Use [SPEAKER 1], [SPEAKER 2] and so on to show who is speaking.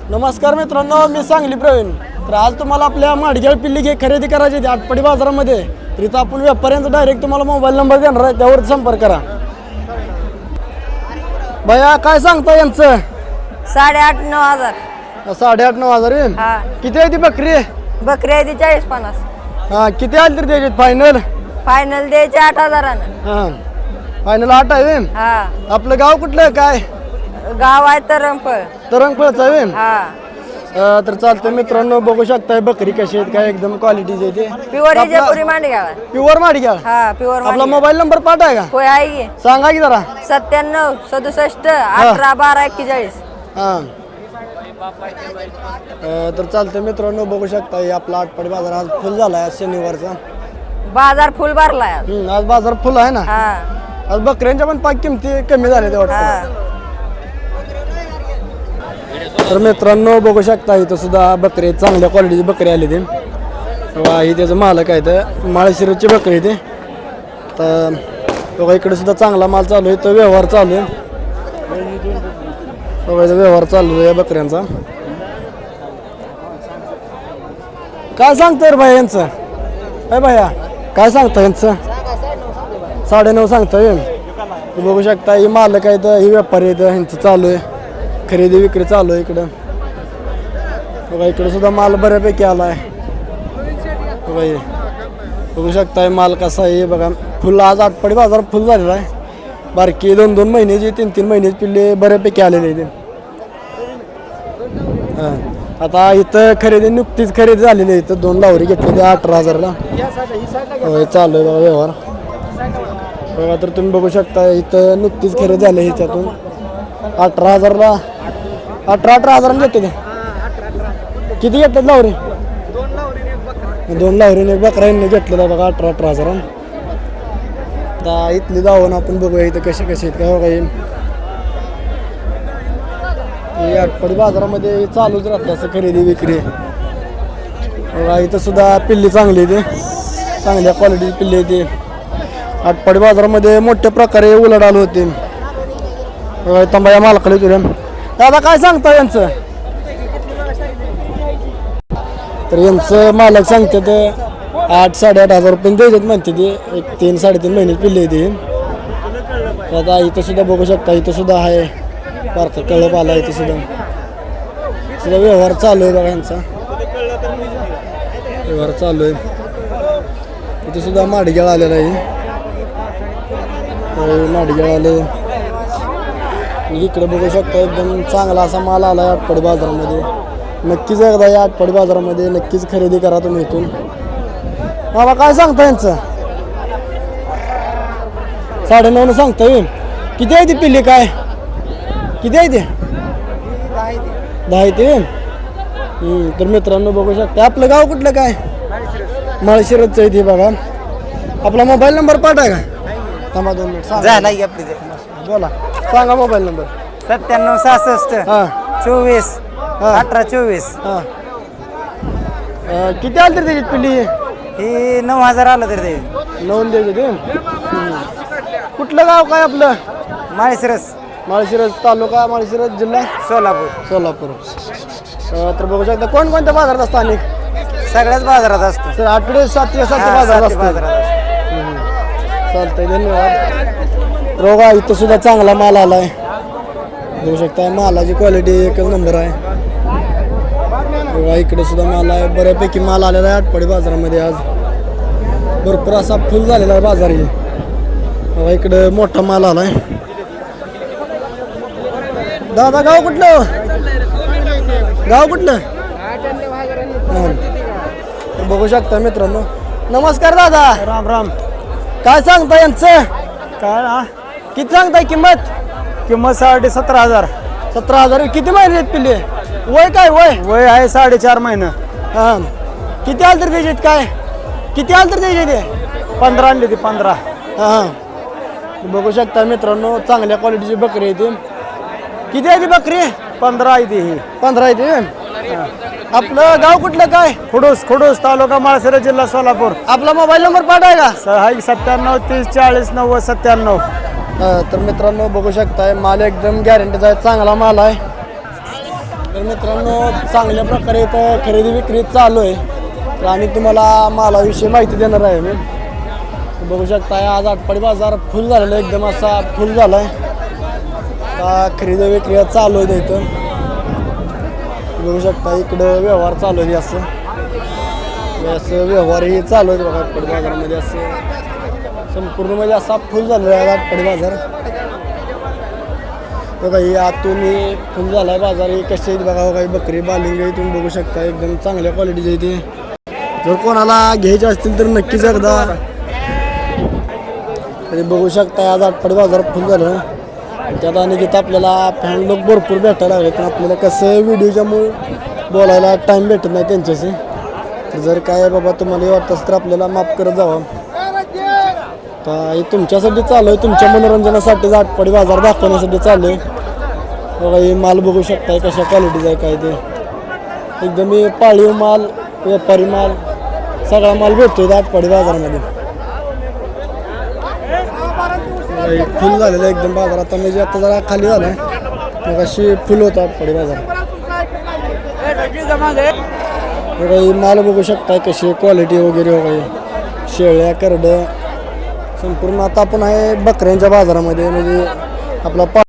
[SPEAKER 1] नमस्कार मित्रांनो, मी सांगली प्रवीण. तर आज तुम्हाला आपल्या माडगेळ पिल्ली खरेदी करायची होती आटपाडी बाजारामध्ये. तर इथं आपण व्यापाऱ्यांचा डायरेक्ट तुम्हाला मोबाईल नंबर देणार आहे, त्यावर संपर्क करा. भैया काय सांगता यांचं?
[SPEAKER 2] 8,500-9,000.
[SPEAKER 1] 8,500-9,000 येईल.
[SPEAKER 2] हा,
[SPEAKER 1] किती आहे ती बकरी?
[SPEAKER 2] बकरी आहे ती 40-50.
[SPEAKER 1] हा, किती आली तरी द्यायची फायनल?
[SPEAKER 2] फायनल द्यायचे 8,000.
[SPEAKER 1] हा, फायनल 8 आहे.
[SPEAKER 2] हा,
[SPEAKER 1] आपलं गाव कुठलं काय?
[SPEAKER 2] गाव आहे तरंगफळ.
[SPEAKER 1] तरंगफळचं आहे.
[SPEAKER 2] हा,
[SPEAKER 1] तर चालतं मित्रांनो, बघू शकताय बकरी कशी आहेत, काय एकदम क्वालिटीची आहे.
[SPEAKER 2] प्युअर इजेपुरी मांडगाव.
[SPEAKER 1] प्युअर माडगेळ.
[SPEAKER 2] हा, प्युअर
[SPEAKER 1] आपला मोबाईल नंबर पाठाय का?
[SPEAKER 2] होय आहे की.
[SPEAKER 1] सांगा की जरा.
[SPEAKER 2] 97-67-18-12-41.
[SPEAKER 1] हा, तर चालतं मित्रांनो, बघू शकता हे आपला आटपाडी बाजार आज फुल झाला आहे. आज शनिवारचा
[SPEAKER 2] बाजार फुल भरलाय आज.
[SPEAKER 1] आज बाजार फुल आहे ना.
[SPEAKER 2] हा,
[SPEAKER 1] आज बकऱ्यांच्या पण पाक किमती कमी झाल्या ते वाटतं.
[SPEAKER 2] हा,
[SPEAKER 1] तर मित्रांनो, बघू शकता इथं सुद्धा बकरी चांगल्या क्वालिटीची बकरी आली ती. ही त्याचं मालक आहे, तर माळशिरसची बकरी ते. तर बघा इकडे सुद्धा चांगला माल चालू आहे, तो व्यवहार चालू आहे. बघा व्यवहार चालू आहे या बकऱ्यांचा. काय सांगतं रे भाई यांचं? काय भाया काय सांगता यांचं? 9.5 सांगतोय. बघू शकता ही मालक आहेत, ही व्यापारी आहेत, ह्यांचं चालू आहे खरेदी विक्री चालू आहे इकडं. बघा इकडे सुद्धा माल बऱ्यापैकी आला आहे. बघा हे बघू शकता माल कसा आहे. बघा फुल आज आटपाडी बाजार फुल झालेला आहे. बारकी 2-2 महिन्याची 3-3 महिन्याची पिल्ले बऱ्यापैकी आलेले आहेत. हां, आता इथं खरेदी नुकतीच खरेदी झालेली आहे. इथं 2 लावरी घेतली 18,000ला. चालू आहे बघा व्यवहार. बघा तर तुम्ही बघू शकता इथं नुकतीच खरेदी झाली ह्याच्यातून 18,000ला 18,000 घेतले ते. किती घेतले लावरी? 2 लावरीने एक बकरा यांनी घेतलेला बघा 18,000. आता इथली जाऊन आपण बघूया इथं कसे कसे आहेत काय. बघा हे आटपाडी बाजारामध्ये चालूच राहते असं खरेदी विक्री. बघा इथं सुद्धा पिल्ली चांगली आहे, ते चांगल्या क्वालिटीची पिल्ली आहे. ते आटपाडी बाजारामध्ये मोठ्या प्रकारे उलाढाल होते. तंबाया मालकाला तुला दादा काय सांगता यांचं? तर यांचं मालक सांगते ते 8-8,500 रुपये द्यायचे म्हणते ते. एक 3-3.5 महिने पिल्ले येते. आता इथं सुद्धा बघू शकता, इथं सुद्धा आहे बारका कळप आला. इथं सुद्धा व्यवहार चालू आहे बघा यांचा. व्यवहार चालू आहे. इथं सुद्धा माडगेळ आलेला आहे. माडगेळ आले. इकडे बघू शकता एकदम चांगला असा माल आला आहे आटपाडी बाजारामध्ये. नक्कीच एकदा या आटपाडी बाजारामध्ये नक्कीच खरेदी करा तुम्ही इथून. बाबा काय सांगता यांचं? 9.5 सांगता येईल. किती आहे ती पिल्ली? काय किती आहे ते? 10 आहे ते. तर मित्रांनो बघू शकता. आपलं गाव कुठलं काय? माळशिरसचं आहे ते. बघा आपला मोबाईल नंबर पाठवा का? थांबा 2 मिनिट
[SPEAKER 3] झाला की आपली
[SPEAKER 1] बोला. सांगा मोबाईल नंबर.
[SPEAKER 3] 97-66-24-18-24.
[SPEAKER 1] हां, किती आली तरी त्याची पिल्ली?
[SPEAKER 3] ही 9,000 आलं तर ते
[SPEAKER 1] 9 द्यायचे ते. कुठलं गाव काय आपलं?
[SPEAKER 3] माळशिरस,
[SPEAKER 1] माळशिरस तालुका, माळशिरस जिल्हा
[SPEAKER 3] सोलापूर.
[SPEAKER 1] सोलापूर. तर बघू शकता कोणकोणत्या बाजारात असतात? अनेक
[SPEAKER 3] सगळ्याच बाजारात असतो.
[SPEAKER 1] सर आठवडे 7 बाजारात असतात. चालतंय, धन्यवाद. रोगा इथं सुद्धा चांगला माल आला आहे. बघू शकता मालाची क्वालिटी एकच नंबर आहे. बघा इकडे सुद्धा माल आहे, बऱ्यापैकी माल आलेला आहे आटपाडी बाजारामध्ये. आज भरपूर असा फुल झालेला आहे बाजार. बघा इकडे मोठा माल आला आहे. दादा गाव कुठलं? गाव कुठलं? बघू शकता मित्रांनो. नमस्कार दादा.
[SPEAKER 3] राम राम.
[SPEAKER 1] काय सांगता यांचं?
[SPEAKER 3] काय ना
[SPEAKER 1] किती सांगताय किंमत?
[SPEAKER 3] किंमत 17,500.
[SPEAKER 1] 17,000. किती महिने आहेत पिल्ले? वय काय
[SPEAKER 3] वय आहे 4.5 महिने.
[SPEAKER 1] हां, किती आलं तर द्यायचे काय? किती आलं तर द्यायचे ते?
[SPEAKER 3] 15 आणली ती 15.
[SPEAKER 1] हां, बघू शकता मित्रांनो चांगल्या क्वालिटीची बकरी आहे ती. किती आहे ती बकरी?
[SPEAKER 3] 15 आहे ती. ही
[SPEAKER 1] 15 आहे ती. आपलं गाव कुठलं काय?
[SPEAKER 3] खुडूस तालुका माळशिरस जिल्हा सोलापूर.
[SPEAKER 1] आपला मोबाईल नंबर पाठाय का?
[SPEAKER 3] 97 30 40 90 97.
[SPEAKER 1] तर मित्रांनो बघू शकताय माल एकदम गॅरंटीचा आहे, चांगला माल आहे. तर मित्रांनो चांगल्या प्रकारे इथं खरेदी विक्री चालू आहे आणि तुम्हाला मालाविषयी माहिती देणार आहे मी. बघू शकता आज आटपाडी बाजार फुल झालेला आहे, एकदम असा फुल झाला आहे. आता खरेदी विक्री चालू आहे इथं. बघू शकता इकडं व्यवहार चालू आहे असं व्यवहारही चालू आहे बघा आटपाडी बाजारामध्ये. असं संपूर्ण म्हणजे असा फुल झालेला आहे आटपाडी बाजार बघा. ही आतून फुल झाला आहे बाजार. ही कशी आहेत बघा काही बकरी बालिंग आहे तुम्ही बघू शकता, एकदम चांगल्या क्वालिटीचे इथे. जर कोणाला घ्यायचे असतील तर नक्कीच एकदा तरी बघू शकता. आज आटपाडी बाजार फुल झालं. त्यात आणि तिथं आपल्याला फॅन लोक भरपूर भेटायला लागले, पण आपल्याला कसं व्हिडिओच्यामुळे बोलायला टाईम भेटत नाही त्यांच्याशी. तर जर काय बाबा तुम्हाला वाटतं तर आपल्याला माफ करत जावं. तर हे तुमच्यासाठी चालू आहे, तुमच्या मनोरंजनासाठी आटपाडी बाजार दाखवण्यासाठी चालू आहे बघा. हे माल बघू शकताय कशा क्वालिटीचा आहे काय ते. एकदम हे पाळीव माल, व्यापारी माल, सगळा माल भेटतो आटपाडी बाजारामध्ये. फुल झालेलं आहे एकदम बाजार. आता म्हणजे आता जरा खाली झालं आहे, मग अशी फुल होतं आटपाडी बाजार. बघा हे माल बघू शकताय कशी क्वालिटी वगैरे वगैरे. शेळ्या करडं संपूर्ण. आता आपण आहे बकऱ्यांच्या बाजारामध्ये, म्हणजे आपला